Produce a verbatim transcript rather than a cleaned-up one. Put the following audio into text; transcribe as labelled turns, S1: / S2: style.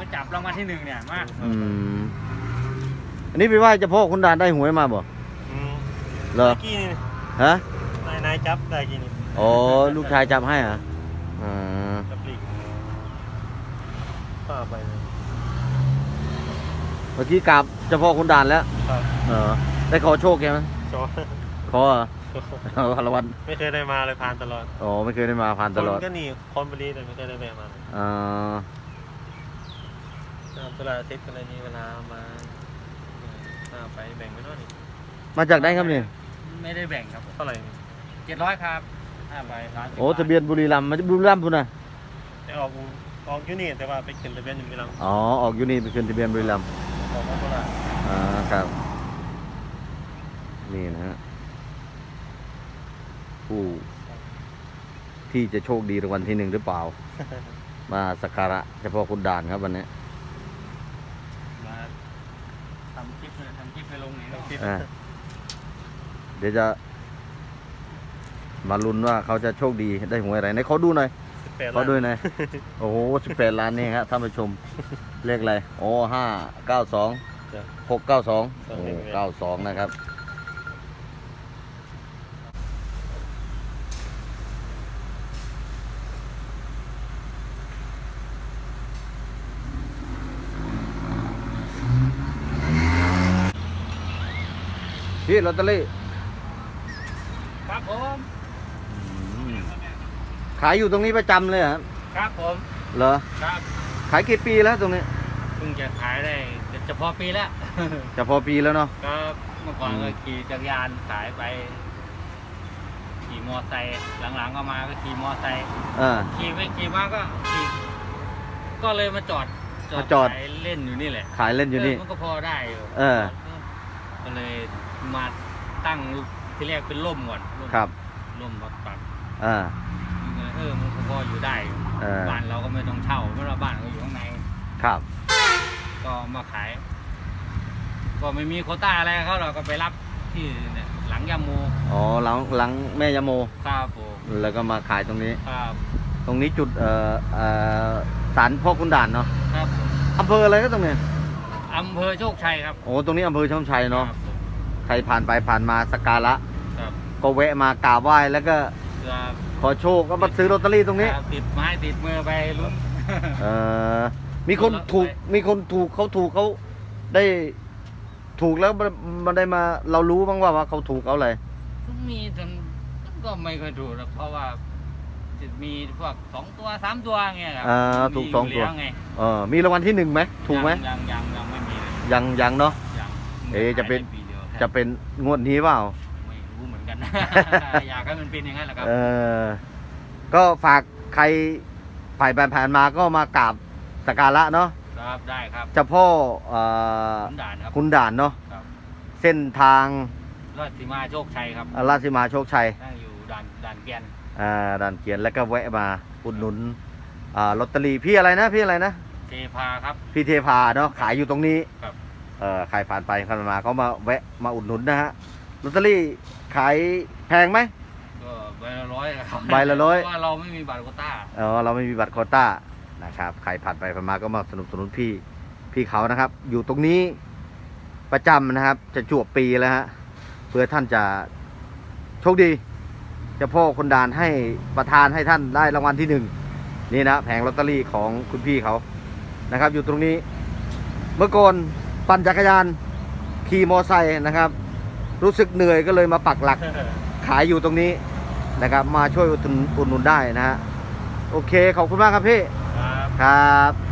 S1: จับรางวัลที่หนึ่งเนี่ยมา
S2: อืมอันนี้พี่ว่าเฉพาะคุณดานได้หวยมาบ่เหรอ
S3: กี้นี่
S2: ฮะ
S3: นายนายจับได้กี้นี่
S2: อ๋อลูกชายจับให้อ่ะอ่า
S3: จับลีกป้าไปเลย
S2: เมื่อกี้กราบเฉพาะคุณดานแล้วเออได้ขอโชคแกไหม
S3: ขอ
S2: ขออ่ะพลวัน
S3: ไม่เคยได้มาเลยผ่านตลอด
S2: อ๋อไม่เคยได้มาผ่านตลอด
S3: คนก็หนีคนบริแต่ไม่เคยได้แวะมาเลย
S2: อ่า
S3: เวลาเซ็ตอะไรนี้เวลามาไปแบ่งไปด้วยนี่
S2: มาจากไหนครับเนี่ย
S1: ไม่ได้แบ่งครับ
S3: เท่าไหร่
S1: เจ็ดร้อยครับห้าใบ
S2: โอ้ทะเบียนบุรีรัมย์มาบุรีรัมย์พุ่นนะ
S3: แต่ออกออกยูนี่แต่ว่าไปขึ้นทะเบียนอยู่บุรีรัมย์
S2: อ๋อออกยูนี่ไปขึ้นทะเบียนบุรีรัมย์
S3: ออกมาเท่าไหร่
S2: อ่าครับนี่นะฮะผู้ที่จะโชคดีรางวัลที่หนึ่งหรือเปล่า มาสักการะเฉพาะคุณด่านครับวันนี้
S1: มาทำคลิปเลยทำคลิปไปลงนี่คลิป
S2: เดี๋ยวจะมาลุ้นว่าเขาจะโชคดีได้หวยอะไรในเขาดูหน่อยเขาด้วยหน่อยโอ้โหสิบแปดล้านนี่ครับท่านผู้ชมเลขอะไรโอ้ห้าเก้าสองหกเก้าสองโอ้เก้าสองนะครับพี่ลอตเตอรี่
S1: ครับผม
S2: ขายอยู่ตรงนี้ประจำเลยครับ
S1: ครับผม
S2: เหรอ
S1: ครับ
S2: ขายกี่ปีแล้วตรงนี้
S1: เพิ่งจะขายได้จะพอปีแล้ว
S2: จะพอปีแล้วเนาะ
S1: ก็เมื่อก่อนก็ขี่จักรยานขายไปขี่มอไซค์หลังๆก็มาก็ขี่มอไซค์ขี่ไปขี่มาก็ขี่ก็เลยมาจอด
S2: จอด
S1: ขายเล่นอยู่นี่แหละ
S2: ขายเล่นอยู่นี่
S1: มันก็พอได้อยู่
S2: เออ
S1: ก็เลยมาตั้งที่แรกเป็นร่มก่อน
S2: ครับ
S1: ร่มปักปัก
S2: อ่า
S1: เออมันก็พออยู่ได้บ้านเราก็ไม่ต้องเช่าเพราะเราบ้านเราอยู่ข้างใน
S2: ครับ
S1: ก็มาขายก็ไม่มีโควต้าอะไรเขาเราก็ไปรับที่เนี่ยหลังยาโม
S2: อ๋อหลังหลังแม่ยาโม
S1: ครับผม
S2: แล้วก็มาขายตรงนี้
S1: ครับ
S2: ตรงนี้จุดเอ่อเอ่อศาลพ่อคุณด่านเนาะ
S1: ครับ
S2: อำเภออะไรก็ตรงนี้
S1: อำเภอโชคชัยครับ
S2: โอ้ตรงนี้อำเภอโชคชัยเนาะใครผ่านไปผ่านมาสักการะก็แวะมากราบไหว้แล้วก็ขอโชคก็มาซื้อลอตเตอรี่ตรงนี้
S1: ติดไม้ติดมือไปลุ้น
S2: เออมีคนถูกมีคนถูกเขาถูกเขาได้ถูกแล้วมันได้มาเรารู้บ้างว่าว่าเขาถูกเอาอะไร
S1: มีจนก็ไม่เคยถูกหรอกเพราะว่าจะมีพวกสองตัวสามตัวเงี้ยครับ
S2: อ่าถูกสองตัวเออมีรางวัลที่หนึ่งไหมถูกไหม
S1: ยังยังยังไม่มี
S2: ยังยังเนาะเอ๊จะเป็นจะเป็นงวดนี้เปล่า
S1: ไม่รู้เหมือนกันอยากให้มันเป็นอย่างนั้นแหละครับ
S2: เออก็ฝากใครผ่านผ่านมาก็มากราบสักการะเนาะ
S1: ครับได้ครับ
S2: เจ้าพ่อคุณ
S1: ด่านครับ
S2: คุณด่านเนาะเส้นทาง
S1: ราชสีมาโชคชัยครับ
S2: ราชสีมาโชคชัย
S1: นั่งอยู่ด่านด่านเกียน
S2: อ่าด่านเกียนแล้วก็แวะมาอุดหนุนอ่าลอตเตอรี่พี่อะไรนะพี่อะไรนะ
S1: เทพาครับ
S2: พี่เทพาเนาะขายอยู่ตรงนี้
S1: ครับ
S2: เอ่อใครผ่านไปผ่านมาเขามาแวะมาอุดหนุนนะฮะลอตเตอรี่ขายแพงไหม
S1: ก็ใบละร้อยครับ
S2: ใบละร้อย
S1: เพราะว่าเราไม่มีบัตรโควต้า
S2: อ๋อเราไม่มีบัตรโควต้านะครับใครผ่านไปผ่านมาก็มาสนับสนุนพี่พี่เขานะครับอยู่ตรงนี้ประจำนะครับจะจวบปีแล้วฮะเพื่อท่านจะโชคดีเจ้าพ่อคนด่านให้ประทานให้ท่านได้รางวัลที่หนึ่งนี่นะแผงลอตเตอรี่ของคุณพี่เขานะครับอยู่ตรงนี้เมื่อก่อนปั่นจักรยานขี่มอไซค์นะครับรู้สึกเหนื่อยก็เลยมาปักหลักขายอยู่ตรงนี้นะครับมาช่วยอุดหนุนได้นะฮะโอเคขอบคุณมากครับพี่ครับ